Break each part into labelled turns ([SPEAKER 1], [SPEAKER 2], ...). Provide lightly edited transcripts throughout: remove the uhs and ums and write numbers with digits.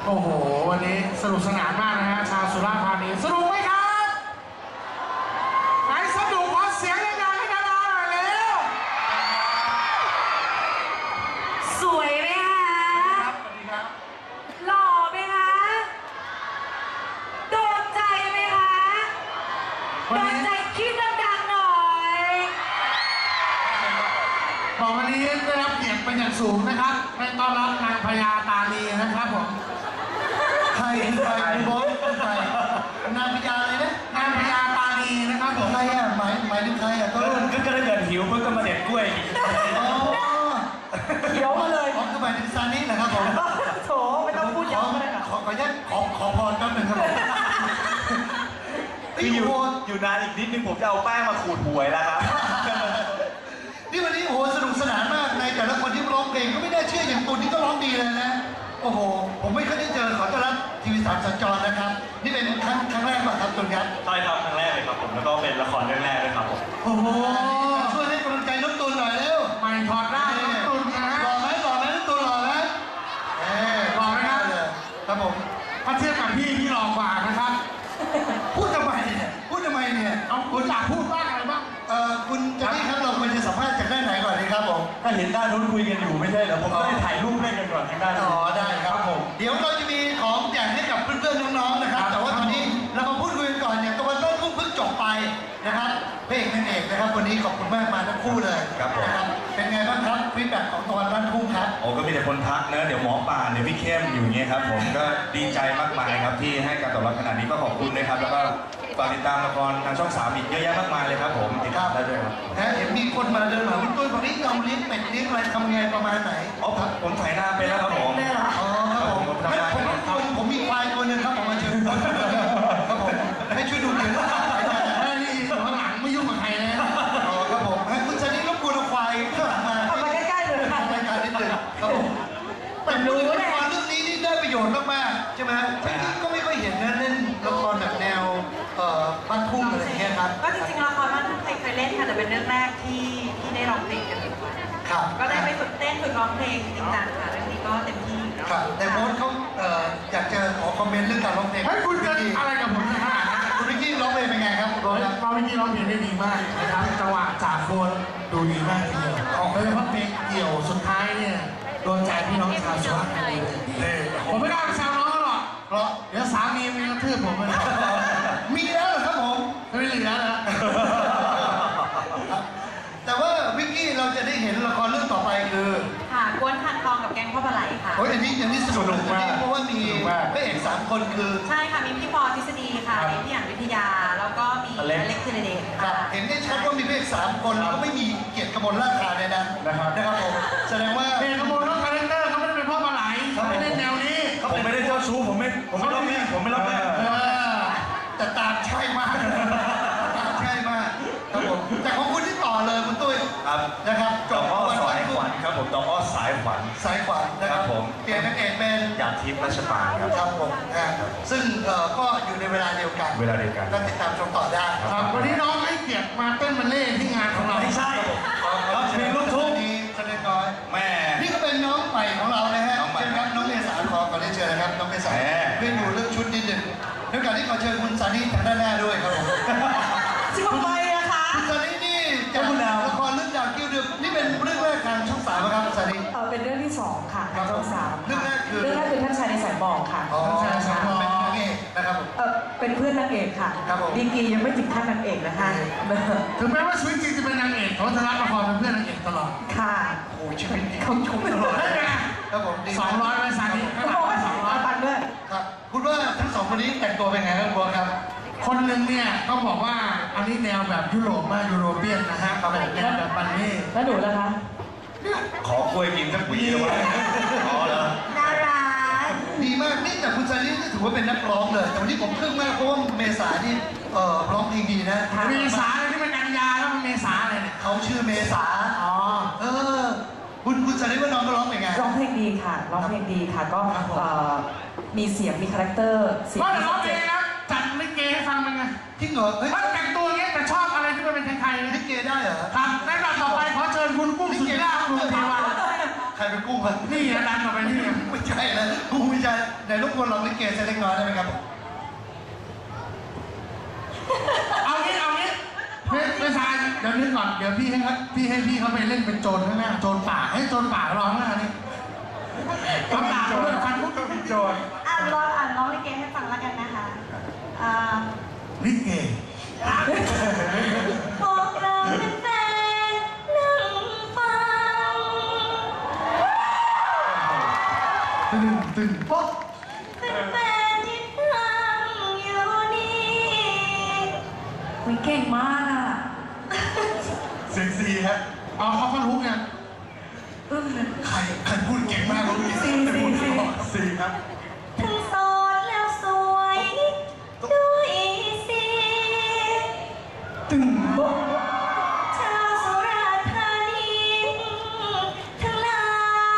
[SPEAKER 1] โอ้โหวันนี้สนุกสนานมากนะฮะชาวสุราษฎร์ธานีสนุกไหมครับไหนสนุกขอเสียงดังๆให้ดาราหน่อยเร็ว
[SPEAKER 2] สวยไหมคะ
[SPEAKER 1] ครับสวัสดีครับ
[SPEAKER 2] หล่อไหมคะโดนใจไหมคะโดนใจคิดดังๆหน่อย
[SPEAKER 1] บอกวันนี้ได้รับเกียรติเป็นอย่างสูงนะครับให้ต้อนรับนางพญาตานีนะครับผม
[SPEAKER 3] ใครคุณบอสใครนางพญาอะไรนะ
[SPEAKER 1] นางพญาตานีนะครับผม
[SPEAKER 3] ใครอ่ะหมายถึงใครอ่ะก็
[SPEAKER 4] ถ้าเกิดหิวเพิ่งก็มาเด็ดกล้วย
[SPEAKER 2] เขียวมาเลย
[SPEAKER 3] คือหมายถึงซานิแหละครับผม
[SPEAKER 2] โถไม่ต้องพูดย้ำก็ได้ค่ะ
[SPEAKER 3] ขออนุญาตขอพรแป๊บนึงครับผม
[SPEAKER 4] คืออยู่นานอีกนิดนึงผมจะเอาแป้งมาขูดหวยแล้วครับ
[SPEAKER 3] นี่วันนี้โอ้โหสนุกสนานมากในแต่ละคนที่ร้องเพลงก็ไม่ได้เชื่ออย่างตัวนี้ก็ร้องดีเลยนะโอ้โหผมไม่เคยได้เจอขอต้อนรับทีวี3สัญจรนะครับนี่เป็นครั้งแรกป่ะครับตุนครับ
[SPEAKER 4] ใช่ครับครั้งแรกเลยครับผมแล้วก็เป็นละครเรื่องแรกเลยครับผม
[SPEAKER 3] โอ้โหช่วยให้กำลังใจน้องตุนหน่อยเร็ว
[SPEAKER 1] ไม่ถอดได้น้องตุนนะ
[SPEAKER 3] หล่อไหมน้องตุนหล่อไหม
[SPEAKER 1] หล่อไหมครับ
[SPEAKER 3] ครับผม
[SPEAKER 1] ถ้าเทียบกับพี่หล่อกว่านะครับ
[SPEAKER 3] พูดทำไมเนี่ย
[SPEAKER 1] เอาคุณอยากพูดบ้างอะไรบ้าง
[SPEAKER 3] คุณจะนี่ครับเราควรจะสัมภาษณ์จากด้านไหนก่อนดีครับผม
[SPEAKER 4] ถ้าเห็นด้านนู้นคุยกันอยู่ไม่ใช่เหรอผมก็ได้ถ่ายรูปเล่นกันก่อนทางด้าน
[SPEAKER 3] อ๋อได้ครับผมเดี๋ยวเราจะมีของแจกให้กับเพื่อนๆน้องๆนะครับแต่ว่าตอนนี้เรามาพูดคุยกันก่อนเนี่ยตะวันต้นเพิ่งจบไปนะครับพระเอกนางเอกนะครับวันนี้ขอบคุณมากมาทั้งคู่เลยนะครับเป็นไงบ้างครับฟีดแบ็กของตะวันต้นคู่ครับ
[SPEAKER 4] โอ้ก็มีแต่คนทักนะเดี๋ยวหมอป่าเดี๋ยวพี่เข้มอยู่เงี้ยครับผมก็ดีใจมากมายครับที่ให้การตอบรับขนาดนี้ก็ขอบคุณนะครับแล้วก็ฝากติดตามละครทางช่อง3อีกเยอะแยะมากมายเลยครับผมติดตามได้ด้วยครับ
[SPEAKER 3] เห็นมีคนมาเดินมาคุณตุ้ยบอกนี่เราเลี้ยงเป็ดเลี้ยงอะไรทำไงประมาณไหน
[SPEAKER 4] อ๋อผมถ่ายหน้าไปแล้วครับผม
[SPEAKER 3] อ๋อครับผมมีควายตัวนึงครับผมมาเชิญครับผมให้ช่วยดูเดี๋ยว
[SPEAKER 1] นี่อยู่ข้างหลังไม่ยุ่งกับใครนะ
[SPEAKER 3] อ๋อครับผมให้คุณชนิดรบกวนเอาควายข้างหลังมา
[SPEAKER 2] เอามาใกล้ๆเลยค่ะ
[SPEAKER 3] รายการนิดนึงครับผมแต่รู้ละครเรื่องนี้นี่ได้ประโยชน์มากๆใช่ไหมก็ไม่ค่อยเห็นนะเล่นละครแบบแนวบ้านทุ่งอะไรอย่างเงี้ยครับ
[SPEAKER 2] ก็จริงๆละครบ้านทุ่งเคยเล่นค่ะแต่เป็นเรื่องแรกที่ได้ร้องเพลงกัน
[SPEAKER 3] ครับ
[SPEAKER 2] ก็ได้ไปฝึกเต้นฝึกร้องเพลงจริงจังค่ะเรื่องนี้ก็เต็มที่
[SPEAKER 3] ครับแต่โบ๊ทเขาอยากจะขอคอมเมนต์เรื่องการร้องเพลง
[SPEAKER 1] ให้คุณจะอะไรกับผมนะฮะ
[SPEAKER 3] คุณวิกกี้ร้องเพลงเป็นไงครับคุณโบ๊ท
[SPEAKER 1] ครับวิกกี้ร้องเพลงได้ดีมากนะครับจังหวะจากโคนดูดีมากทีเดียวโดยเฉพาะเพลงเกี่ยวสุดท้ายเนี่ยโดนใจพี่น้องชาวสุราษฎร์ธานีผมไม่กล้าไปแซวน้องหรอก
[SPEAKER 3] เพราะ
[SPEAKER 1] เดี๋ยวสามีมันกระทืบผมเลย
[SPEAKER 3] มีแล้วเหรอครับผม
[SPEAKER 1] ไม่เหลือแล้ว
[SPEAKER 3] แต่ว่าวิกกี้เราจะได้เห็นละครเรื่องต่อไปคือ
[SPEAKER 2] ค่ะกวนคันทองกับแกงพ่อปลาไหลค่ะ
[SPEAKER 3] โอ้ยอันนี้สนุกมากเพราะว่ามีพระเอก3คนคือ
[SPEAKER 2] ใช่ค่ะมีพี่ปอทฤษฎีค่ะมีพี่หยางวิทยาแล้วก็มีอเล็กธีรเดช
[SPEAKER 3] ครับเห็นได้ชัดว่ามีพระเอก3คนแล้วก็ไม่มีเกียรติกมลราชาในนั้นนะครับผมแสดงว่า
[SPEAKER 1] เกียรติกมลเขาคาแรคเตอร์เขาไม่ได้เป็นพ่อปลาไหลเขาไม่ได้แนวนี้
[SPEAKER 4] ผมไม่ได้เจ้าชู้ผมไม่รับแม่
[SPEAKER 3] แต่ตามใช่มากใช่มากครับผมแต่ของคุณที่ต่อเลยคุณตุ้ย
[SPEAKER 4] ครับ
[SPEAKER 3] นะครับ
[SPEAKER 4] จบอ้อสายขวัญครับผมจบอ้อสายขวัญ
[SPEAKER 3] นะครับผมเปลี่ยนนางเอกเป็น
[SPEAKER 4] หยาดทิพย์รัชปาน
[SPEAKER 3] ครับผมซึ่งก็อยู่ในเวลาเดียวกันก็ติดตามชมต่อได้
[SPEAKER 1] ครับวันนี้น้องให้เกียรติมาเต้นบัลเล่ที่งานของเรา
[SPEAKER 4] ไม่ใช่
[SPEAKER 3] เราเพลงลูกทุ่งนี้แสดงน้อย
[SPEAKER 4] แม่
[SPEAKER 3] นี่ก็เป็นน้องใหม่ของเรานะฮะเชิญครับน้องเมษาขอเรียนเชิญนะครับน้องเมษาเรื่องอยู่เรื่องชุดนิดหนึ่งด้วยการที่ขอเชิญคุณซานิทางด้านหน้าด้วยครับผม
[SPEAKER 2] ทำไมอะคะ
[SPEAKER 3] คุณซานินี่จากละครเรื่องดาวกิ้วดึกนี่เป็นเรื่องแรกทางช่อง3ครับซานิ
[SPEAKER 2] เป็นเรื่องที่2ค่ะทางช่อง3
[SPEAKER 3] เรื่องแรกคือ
[SPEAKER 2] ท่านชายในสายบอกค่ะ
[SPEAKER 3] ท่านชายในสายบอกเป็นนางเอกนะครับผม
[SPEAKER 2] เป็นเพื่อนนางเอกค่ะดีกียังไม่ถึงขั้นนางเอกนะคะ
[SPEAKER 1] ถึงแม้ว่าชีวิตจริงจะเป็นนางเอกเขาจะรับละครเป็นเพื่อนนางเอกตลอด
[SPEAKER 2] ค่ะ
[SPEAKER 3] โอ้ชีวิตเขาชมตลอดครับผม
[SPEAKER 1] 200ไปซานิ
[SPEAKER 2] เขาบอกว่า200 ปันด้วย
[SPEAKER 3] ครับคุณว่าทั้ง2คนนี้แต่งตัวเป็นไงครับบัวครับ
[SPEAKER 1] คนหนึ่งเนี่ยต้องบอกว่าอันนี้แนวแบบยุโรปมากยุโรเปียนนะฮะเขาแบบแนวแบบบันนี่
[SPEAKER 2] แล้วหนูล่ะคะ
[SPEAKER 4] ขอกล้วยกินสักปีได้ไหมอ๋อเหรอ
[SPEAKER 2] น่ารัก
[SPEAKER 3] ดีมากนี่แต่คุณซานินี่ถือว่าเป็นนักร้องเลยแต่วันนี้ผมทึ่งมากเพราะว่าเมษานี่ร้องเพลงดีนะ
[SPEAKER 1] เมษาที่มันกันยาแล้วมันเมษาเลยเนี่ย
[SPEAKER 3] เขาชื่อเมษาคุณซานิว่าน้องก็ร้องเป็นไง
[SPEAKER 2] ร้องเพลงดีค่ะร้องเพลงดีค่ะก็มีเสียงมีคาแรคเตอร์
[SPEAKER 1] เสียงร้องเพลงนะจัดลิเกให้ฟังเป็นไง
[SPEAKER 3] จริงเหรอ
[SPEAKER 1] ถ้าแต่งตัวอย่างเงี้ยแต่ชอบอะไรที่มันเป็นไทยๆ
[SPEAKER 3] ลิเกได้เหรอ
[SPEAKER 1] ครับในแบบต่อไปขอเชิญคุณกุ้งสุธิราชคุณเทวา
[SPEAKER 3] ใครเป็นกุ้งวะ
[SPEAKER 1] นี่นะดันออกไปนี่ไง
[SPEAKER 3] ไม่ใช่นะกุ้งไม่ใช่ไหนรบกวนลองลิเกสักเล็กน้อยได้ไหมครับ
[SPEAKER 1] เอางี้ไม่ใช่เดี๋ยวนึกก่อนเดี๋ยวพี่ให้พี่เขาไปเล่นเป็นโจรข้างหน้าโจรป่าให้โจรป่าร้องหน้านี่เขาด่าเขาด้วยฟันพุทธเป็นโจร
[SPEAKER 2] อ่านร้องลิเกให้ฟังแล้วกันนะคะ
[SPEAKER 1] ลิเก
[SPEAKER 2] พวกเราเป็นแฟนนั่งฟัง
[SPEAKER 1] ตึงป๊อก
[SPEAKER 2] เป็นแฟนที่นั่งอยู่นี่วิเก่งมากอ่ะ
[SPEAKER 3] เซ็กซี่ฮะ
[SPEAKER 1] เอาเขาก็รู้ไง
[SPEAKER 3] ใครพูดเก่งมากรู้ดิ
[SPEAKER 2] สี่
[SPEAKER 3] ครับ
[SPEAKER 2] ทั้งโสดแล้วสวยด้วยสิ
[SPEAKER 1] ตึงป๊อก
[SPEAKER 2] ชาวสุราษฎร์ธานีทั้งหลาย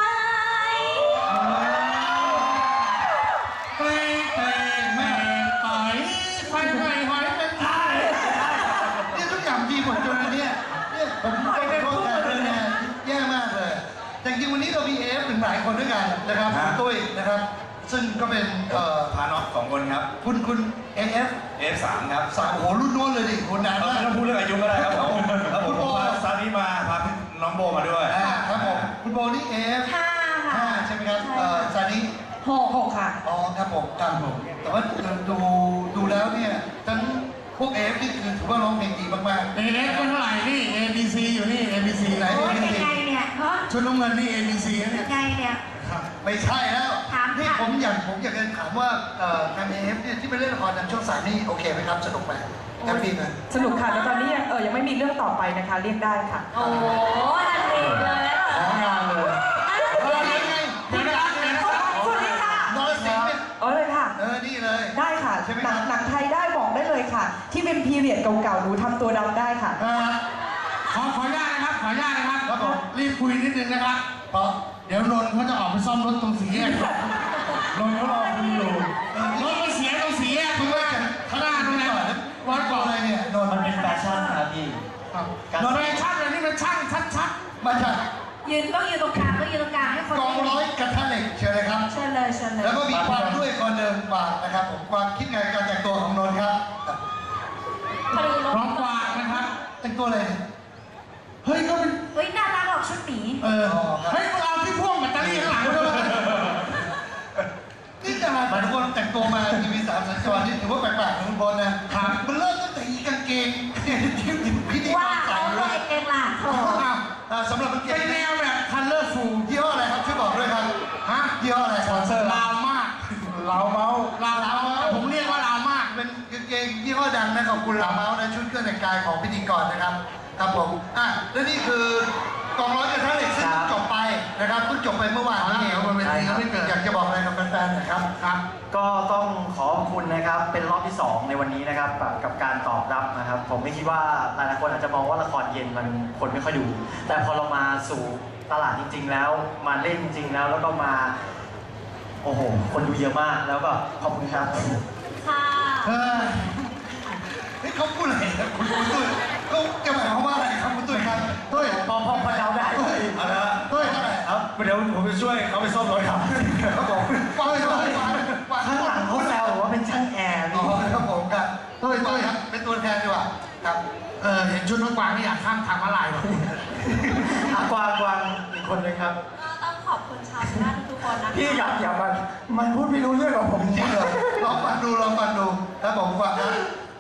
[SPEAKER 1] ไปแม่ต่อยไฟหอยเป็นไทย
[SPEAKER 3] นี่ทุกอย่างดีหมดจนวันนี้เนี่ยผมต้องขอโทษแทนเลยนะแย่มากเลย แต่จริงๆวันนี้เรามีเอฟถึงหลายคนด้วยกันนะครับคุณตุ้ยนะครับ ซึ่งก็เป็น
[SPEAKER 4] พาน้อง2 คนครับ
[SPEAKER 3] คุณเอฟ
[SPEAKER 4] F3 ครับ
[SPEAKER 3] สามโอ้โหรุ่นโน้นเลยดิคนนาน
[SPEAKER 4] เรา
[SPEAKER 3] มาก
[SPEAKER 4] ไม่ต้องพูดเรื่องอายุก็ได้ครับผมครับผมพาซานี้มาพาน้องโบมาด้วย
[SPEAKER 3] ครับผมคุณโบนี่เอฟ
[SPEAKER 2] ห้าค่ะ
[SPEAKER 3] ใช่ไหมครับซานิ
[SPEAKER 2] หกค่ะ
[SPEAKER 3] อ๋อครับผมครับผมแต่ว่าดูแล้วเนี่ยทั้งพวกเอฟนี่คือถือว่าร้องเพลงดีมาก
[SPEAKER 1] เอฟเป็นเท่าไหร่นี่ ABC อยู่นี่ ABC ไหน
[SPEAKER 2] โอ้ยยังไงเนี่ยฮะ
[SPEAKER 1] ชุดน้ำเงินนี่ ABC นะเนี่ย
[SPEAKER 2] ยังไงเนี่ย
[SPEAKER 3] ๆไม่ใช่แล้ว
[SPEAKER 2] ถาม
[SPEAKER 3] นี่
[SPEAKER 2] ค่ะ
[SPEAKER 3] ผมอยากจะถามว่าทางเอฟเนี่ยที่ไปเล่นละครทางช่องสามนี่โอเคไหมครับสนุกไหมแฮปปี้ไหม
[SPEAKER 5] สนุกค่ะแต่ตอนนี้ยังไม่มีเรื่องต่อไปนะคะเรียกได้ค่ะ
[SPEAKER 2] โอ้โหทันทีเลยเหรอ
[SPEAKER 1] ของงานเลย
[SPEAKER 3] ยังไง
[SPEAKER 1] เดี๋ยวนะครับ
[SPEAKER 5] สวัสดีค่ะ
[SPEAKER 3] นรสิงห์เนี่ย
[SPEAKER 5] เลยค่ะ
[SPEAKER 3] นี่เลย
[SPEAKER 5] ได้ค่ะ
[SPEAKER 3] ใช่ไหม
[SPEAKER 5] ห
[SPEAKER 3] ค
[SPEAKER 5] นั
[SPEAKER 3] รับ
[SPEAKER 5] หนังไทยได้บอกได้เลยค่ะ ที่เป็นพีเรียดเก่าๆหนูทำตัวดำได้ค่ะ
[SPEAKER 1] ขออนุญาตนะครับขออนุญาตนะครับรีบคุยนิดนึงนะครับ
[SPEAKER 3] เพราะ
[SPEAKER 1] เดี๋ยวนนท์เขาจะออกไปซ่อมรถตรงสี่แยกนนท์เขารอคุณอยู่รถมันเสียตรงสี่แยกคุณว่าข้างหน้าตรงนั้นวัดก่อน
[SPEAKER 3] อะไรเนี่ยนนท์
[SPEAKER 6] มันเป็นแฟชั่นครับพี่
[SPEAKER 1] นนท์แฟชั่นเลยนี่มันช่างชัด
[SPEAKER 3] มาจาก
[SPEAKER 2] ยืนต้องยืนตรงกลางต้องยืนตรงกลางให้คน
[SPEAKER 3] กองร้อยกระทะเหล็กเชิญเลยครับ
[SPEAKER 2] เชิญเลยเชิญเลย
[SPEAKER 3] แล้วก็มีความด้วยคนเดิมฝากนะครับผมความคิดไงการแต่งตัวของนนท์ครับ
[SPEAKER 2] มาดู
[SPEAKER 1] ๆพร้อมกวาดนะครับ
[SPEAKER 3] แต่งตัวอะไรเนี่ย
[SPEAKER 1] เฮ้ยก็เป็น
[SPEAKER 2] เฮ้ยน่ารักออกชุดหมี
[SPEAKER 1] เฮ้ยมึงเอาที่พ่วงแบตเตอรี่ข้างหลังด้วย
[SPEAKER 3] นี่จะมาทุกคนแต่งตัวมาทีวี3 สัญจรนี่ถือว่าแปลกๆนะคุณบอลนะมันเริ่มตั้งแต่อีกางเกงเนี่ยที่พิธีก
[SPEAKER 2] ว่าร
[SPEAKER 3] ใส่
[SPEAKER 2] เอา
[SPEAKER 3] เล
[SPEAKER 2] ตัวย เองล่ะโอ้
[SPEAKER 3] สำหรับกางเก
[SPEAKER 1] เป็น
[SPEAKER 3] ง
[SPEAKER 1] แนวแบบคัลเลอร์ฟูล
[SPEAKER 3] ยี่ห้ออะไรครับช่วยบอกด้วยครับ
[SPEAKER 1] ฮะ
[SPEAKER 3] ยี่ห้ออะไรสปอนเซอร์
[SPEAKER 1] ลาวมากลาวเมาผมเรียกว่าลาวมาก
[SPEAKER 3] เป็นกางเกงยี่ห้อดังนะขอบคุณลาเมาส์นะชุดเครื่องแต่งกายของพิธีกรนะครับครับผมและนี่คือกองร้อยกระทะเหล็กซึ่งจบไปนะครับเพิ่งจบไปเมื่อวานนี้
[SPEAKER 1] เดี๋ยวบนเวทีเขาไม่เกิด
[SPEAKER 3] อยากจะบอกอะไรกับแฟนๆหน่อยครับ
[SPEAKER 1] ครับ
[SPEAKER 6] ก็ต้องขอบคุณนะครับเป็นรอบที่ 2 ในวันนี้นะครับกับการตอบรับนะครับ ผมไม่คิดว่าหลายๆคนอาจจะมองว่าละครเย็นมันคนไม่ค่อยดู แต่พอเรามาสู่ตลาดจริง ๆ แล้วมาเล่นจริงๆแล้วแล้วก็มาโอ้โหคนดูเยอะมากแล้วก็ขอบคุณครับ
[SPEAKER 2] ค่ะ
[SPEAKER 3] เฮ้ยเขาพูดอะไรนะคุณตุ้ยเขาจะหมายความว่าอะไรครับคุณตุ้ยครับ
[SPEAKER 1] ตุ้ย
[SPEAKER 6] พอเดาได้
[SPEAKER 4] เอาละ
[SPEAKER 3] ตุ้ยอะไร
[SPEAKER 4] ครับเดี๋ยวผมจะช่วยเขาไปซ่อมรถครับ
[SPEAKER 3] เขาบอกว่า
[SPEAKER 6] ข้างหลังเขาแซวว่าเป็นช่างแอร์
[SPEAKER 3] อ๋อ
[SPEAKER 6] พี่
[SPEAKER 3] ครับผมครับ
[SPEAKER 1] ตุ้ย
[SPEAKER 3] ครับเป็นตัวแทนดีกว่าครับ
[SPEAKER 1] เห็นชุดน้องกวางนี่อยากข้ามทางม้าลายว่ะ
[SPEAKER 6] กวางอีกคนนึงครับ
[SPEAKER 2] ก็ต้องขอบคุณชาวสุราษฎร์ทุกคนนะคะ
[SPEAKER 6] พี่อย่ามันพูดไม่รู้เรื่องกับผม
[SPEAKER 3] จริงเหรอลองฟังดูครับผมฟังนะ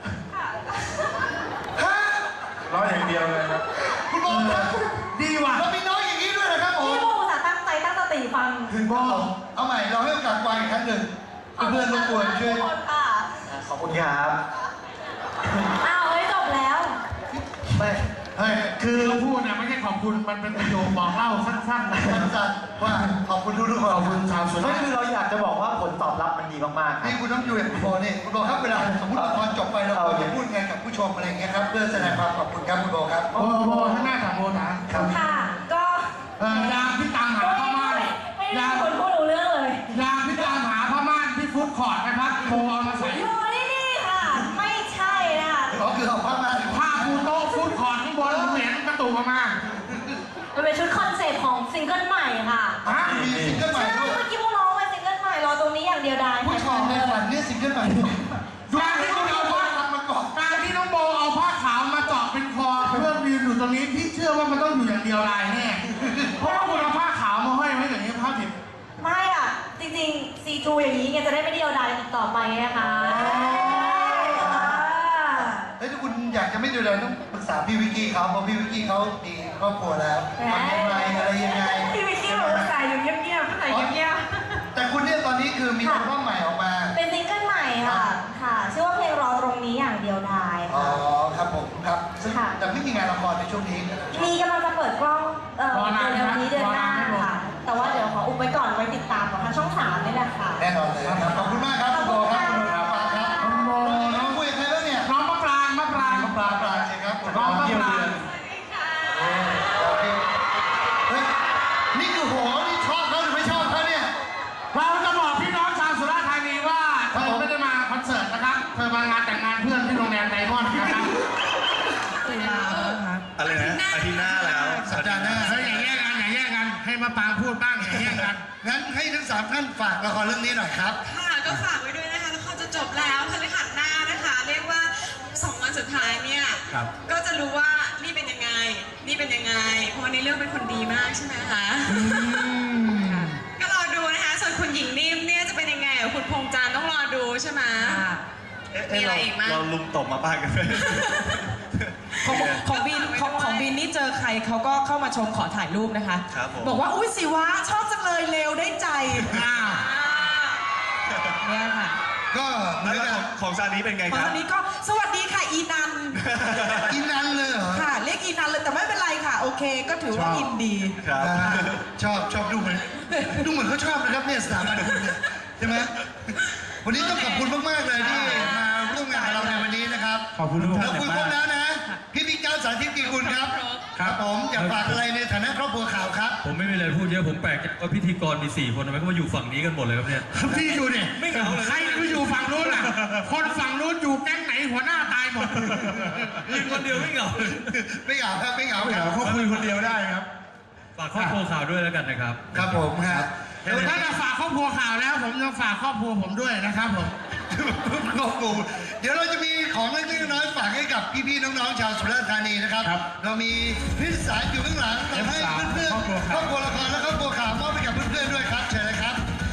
[SPEAKER 4] ร้อยอย่างเดียวเลยครับ
[SPEAKER 3] คุณบอลครับ
[SPEAKER 1] ดีว่ะ
[SPEAKER 3] เรามีน้อยอย่างนี้ด้วยนะครับผม
[SPEAKER 2] พี่โมอุตส่าห์ตั้งใจตั้งสติฟัง
[SPEAKER 3] ถึงบอลเอาใหม่เราให้โอกาสวางอีกครั้งหนึ่งเพื่อนๆรบกวนช่วย
[SPEAKER 2] ทุกคนค่ะ
[SPEAKER 6] ขอบคุณครับ
[SPEAKER 2] อ้าวเฮ้ยจบแล้ว
[SPEAKER 6] ไม่
[SPEAKER 1] เฮ้ยคือพูดเนี่ยไม่ใช่ขอบคุณมันเป็นประโยคบอกเล่าสั้นๆนะ
[SPEAKER 3] สั้นๆว่าขอบคุณทุกๆคน
[SPEAKER 1] ขอบคุณชาวสุรา
[SPEAKER 6] ไม่
[SPEAKER 1] ษฎ
[SPEAKER 6] คือ
[SPEAKER 1] ร์
[SPEAKER 6] เราอยากจะบอกว่าผลตอบรับมันดีมากๆครั
[SPEAKER 3] นี่
[SPEAKER 6] บ
[SPEAKER 3] คุณต้องอยู่อย่างคุณโบนี่คุณโบครับเวลาสมมติละครจบไปเราควรจะพูดไงกับผู้ชมอะไรอย่างเงี้ยครับเพื่อแสดงความขอบคุณครับคุณโบครับ
[SPEAKER 1] โอ้โหข้างหน้าถามโบนะ
[SPEAKER 2] ค่ะ ก็
[SPEAKER 1] ยามที่ตามหาผ้าม่าน
[SPEAKER 2] ไม่มีคนพูดรู้เรื่องเลย
[SPEAKER 1] ยามที่ตามหาผ้าม่านที่ฟู้ดคอร์ทนะครับโบเอามาใส่
[SPEAKER 2] อยู่นี่ค่ะ ไม่ใช่นะคะ
[SPEAKER 3] ก็คือเอาผ้ามา
[SPEAKER 1] ผ้าปูโต๊ะฟู้ดคอร์ทข้างบนผมเห็นกระตุกออกมา
[SPEAKER 2] มันเป็นชุดคอนเซ็ปต์ของซิงเกิลใหม่ค่ะ
[SPEAKER 3] มีซิงเกิลใหม่
[SPEAKER 2] ใช่
[SPEAKER 3] ด้วย
[SPEAKER 2] เมื่อกี้พวกน้องมาซิงเกิลใหม่รอตรงนี้อย่างเดียวได้
[SPEAKER 3] ผู้ชายในฝันเนี่ยซิงเกิลใหม่ด้วย
[SPEAKER 1] การที่น้องโบมาก่อนการที่น้องโบเอาผ้าขาวมาเจาะเป็นคอเพื่อยืนอยู่ตรงนี้พี่เชื่อว่ามันต้องอยู่อย่างเดียวลายแน่เพราะว่าคุณเอาผ้าขาวมาห้อยไว้อย่างนี้ผ้าดิบ
[SPEAKER 2] ไม่อ่ะ จริงๆ C2 อย่างนี้ไงจะได้ไม่เดียวดายอีกต่อไปนะคะ
[SPEAKER 3] เฮ้ยถ้าคุณอยากจะไม่ดูเลยต้องปรึกษาพี่วิกกี้เขาเพราะพี่วิกกี้เขามีครอบครัวแล้วทำยังไงอะไรยังไง
[SPEAKER 2] พี่วิกกี้บอกว่าใส่อยู่เงียบๆใส่เงียบ
[SPEAKER 3] แต่คุณเนี่ยตอนนี้คือมีอัลบั้มใหม่ออกมา
[SPEAKER 2] ๆเป็นซิงเกิลใหม่ค่ะ ค่ะ ชื่อว่าเพลงรอตรงนี้อย่างเดียวดาย
[SPEAKER 3] อ๋อ
[SPEAKER 2] ค่ะ
[SPEAKER 3] ครับผมครับซึ่ง
[SPEAKER 2] ค่ะ
[SPEAKER 3] แต่ไม่มีงานละครในช่วงนี้
[SPEAKER 2] มีกำลังจะเปิดกล้องเดือนนี้เดือนหน้าค่ะ แต่ว่าเดี๋ยวขออุบไว้ก่อนไว้ติดตามของทางช่อง3นี่แหละค่ะ
[SPEAKER 3] แน่นอนเลยครับขอบคุณมากครับคุณโบครับคุณโบครับคุณโบน้องคุยกับใครบ้างเนี่ย
[SPEAKER 1] น้องมะปราง
[SPEAKER 3] น้องปลาใช่ครับ
[SPEAKER 1] น้องมะปราง
[SPEAKER 3] โอเคเฮ้ยนี่คือโหนี่ชอบเขาหรือไม่ชอบเขาเนี่ย
[SPEAKER 1] เราจะบอกพี่น้องชาวสุราษฎร์ธานีว่าเธอไม่ได้มาคอนเสิร์ตนะครับ เธอมางานแต่งงานเพื่อนที่โรงแรมไดมอนด์นะครับ
[SPEAKER 4] อะไรนะอาทิตย์หน้าแล้ว
[SPEAKER 3] สัปดาห์หน้า
[SPEAKER 1] เฮ้ยอย่าแย่งกันอย่าแย่งกัน ให้มะปรางพูดบ้างอย่าแย่งกัน
[SPEAKER 3] งั้นให้ทั้งสามท่านฝากละครเรื่องนี้หน่อยครับ
[SPEAKER 7] ค่ะก็ฝากไว้ด้วยนะคะละครจะจบแล้วพฤหัสหน้านะคะ เรียกว่า2 วันสุดท้ายเนี่ย
[SPEAKER 4] ครับ
[SPEAKER 7] ก็จะรู้ว่านี่เป็นยังไง นี่เป็นยังไง เพราะว่าในเรื่องเป็นคนดีมากใช่ไหมคะก็รอดูนะคะส่วนคุณหญิงนิ่มเนี่ยจะเป็นยังไงกับคุณพงษ์จันทร์ต้องรอดูใช่ไหมมีอะไรอีกมั้ย
[SPEAKER 4] เราลุมตบมาบ้างกันไหม
[SPEAKER 5] ของบินนี่เจอใครเขาก็เข้ามาชมขอถ่ายรูปนะคะ
[SPEAKER 4] ครับผม
[SPEAKER 5] บอกว่าอุ้ยสิวะชอบจังเลยเลวได้ใจอ้าวเนี่ยค่ะ
[SPEAKER 3] ก็เหมือน
[SPEAKER 4] แล้ว
[SPEAKER 3] กับ
[SPEAKER 4] ของซานี้เป็นไง
[SPEAKER 5] ต
[SPEAKER 4] ค
[SPEAKER 5] อ
[SPEAKER 4] รับ
[SPEAKER 5] นนี้ก็สวัสดีค่ะอีนัน
[SPEAKER 3] อินนันเลยเหรอ
[SPEAKER 5] ค่ะเรียกอีนันเลยแต่ไม่เป็นไรค่ะ โอเค ก็ถือว่าอินดี
[SPEAKER 4] ครับ
[SPEAKER 3] ชอบดูเหมือนเขาชอบนะครับเนี่ยสถาบันคุณเนี่ยใช่ไหมวันนี้ต้องขอบคุณมากๆเลยที่มาร่วมงานกับเราในวันนี้นะครับ
[SPEAKER 1] ขอบคุณทุกท่าน
[SPEAKER 3] เราคุยครบแล้วนะพี่บิ๊กเจ้าสาธิตกีกุลครับครับผมอยากฝากอะไรในฐานะครอบครัวข่าวครับ
[SPEAKER 8] ผมไม่มีอะไรพูดเยอะผมแปลกใจว่าพิธีกรมี4 คนทำไมเขามาอยู่ฝั่งนี้กันหมดเลยครับเนี่ย
[SPEAKER 1] พี่อยู่เนี่ยไม่เหงาเลยใครไปอยู่ฝั่งนู้นล่ะ คนฝั่งนู้นอยู่แก๊งไหนหัวหน้าตายหมด
[SPEAKER 8] ยืนคนเดียวไม่เหงา
[SPEAKER 3] ไม่เหงาครับไม่เหงาครับ
[SPEAKER 1] เขาคุยคนเดียวได้ครับ
[SPEAKER 8] ฝากครอบครัวข่าวด้วยแล้วกันนะครับ
[SPEAKER 3] ครับผมครับ
[SPEAKER 1] ถ้าจะฝากครอบครัวข่าวแล้ว ผมจะฝากครอบครัวผมด้วยนะครับผม
[SPEAKER 3] ขอบคุณเดี๋ยวเราจะมีของเล็กๆน้อยๆฝากให้กับพี่ๆน้องๆชาวสุราษฎร์ธานีนะครับ เรามีพิซซ่าอยู่ข้างหลังเราให้เพื่อนๆครอบครัวละครและครอบครัวข่าวมอบให้กับเพื่อนๆด้วยครับเชิญเลยครับ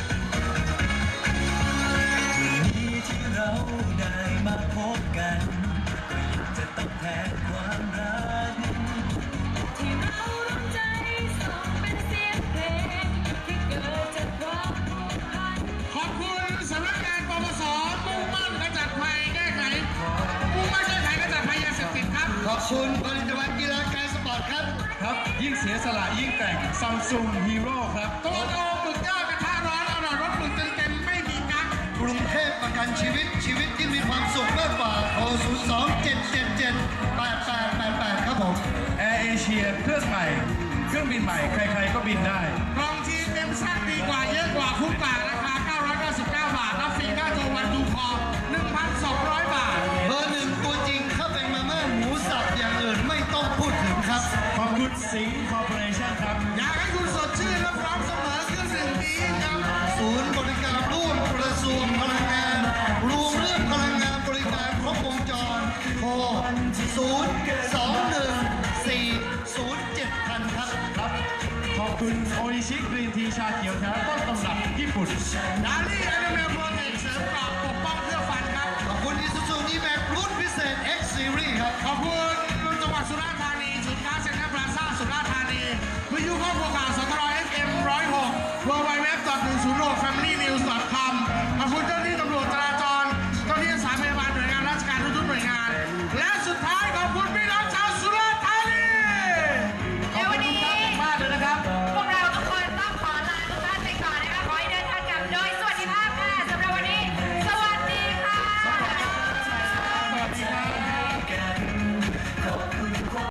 [SPEAKER 9] ที่เราได้มาพบกันก็ยังจะต้องแทนความรักที่เราร่วมใจส่งเป็นเสียงเพลงที่เกิดจากความผูกพัน
[SPEAKER 1] ขอบคุณสำนักงานปปสมุ่งมั่นขจัดภัยแก้ไขมุ่งมั่นแก้ไขขจัดภัยยาเสพติดครับ
[SPEAKER 3] ขอบคุณผลิตภัณฑ์กีฬาการสปอร์ตครับ
[SPEAKER 8] ครับยิ่งเสียสละยิ่งแต่งซัมซุงฮีโร่ครับ
[SPEAKER 1] ตัวโตหมึกย่างกระทะร้อนอร่อยรสหมึกเต็มๆไม่มีกั๊ก
[SPEAKER 3] กรุงเทพประกันชีวิตที่มีความสุขมากกว่าโทร027778888ครับผม
[SPEAKER 8] แอร์เอเชียเครื่องใหม่ เครื่องบินใหม่ใครๆก็บินได้
[SPEAKER 1] กล่องทีมเต็มสั้นดีกว่าเยอะกว่าคุ้มกว่าราคา 999 บาทรับฟรีค่าตัววันดูคอ 1,200 บาท
[SPEAKER 3] เบอร์หนึ่งตัวจริงถ้าเป็นมาม่าหมูสับอย่างอื่นไม่ต้องพูดถึงครับ
[SPEAKER 8] ขอบคุณสิงห์คอร์ปอเรชั่นครับ
[SPEAKER 1] อยากให้คุณสดชื่นและพร้อมเสมอเครื่องดื่มดีครับ
[SPEAKER 3] ศูนย์บริการร่วมกระทรวงพลังงานรวมเรื่องพลังงานบริการครบวงจรโทร021407000ครับ
[SPEAKER 8] ขอบคุณโออิชิกรีนทีชาเขียวแท้ต้นตำรับญี่ปุ่น
[SPEAKER 1] ดาลี่แอนิเมลโปรเทคเสริมกรอบปกป้องเพื่อฟันครับ
[SPEAKER 3] ขอบคุณอิซูซูดีแม็กรุ่นพิเศษ X Series ครับ
[SPEAKER 1] ขอบคุณจังหวัดสุราษฎร์ธานีศูนย์การเซ็นทรัลพลาซ่าสุราษฎร์ธานีวิทยุครอบครัวข่าวสตร FM 106 www.106familynews.com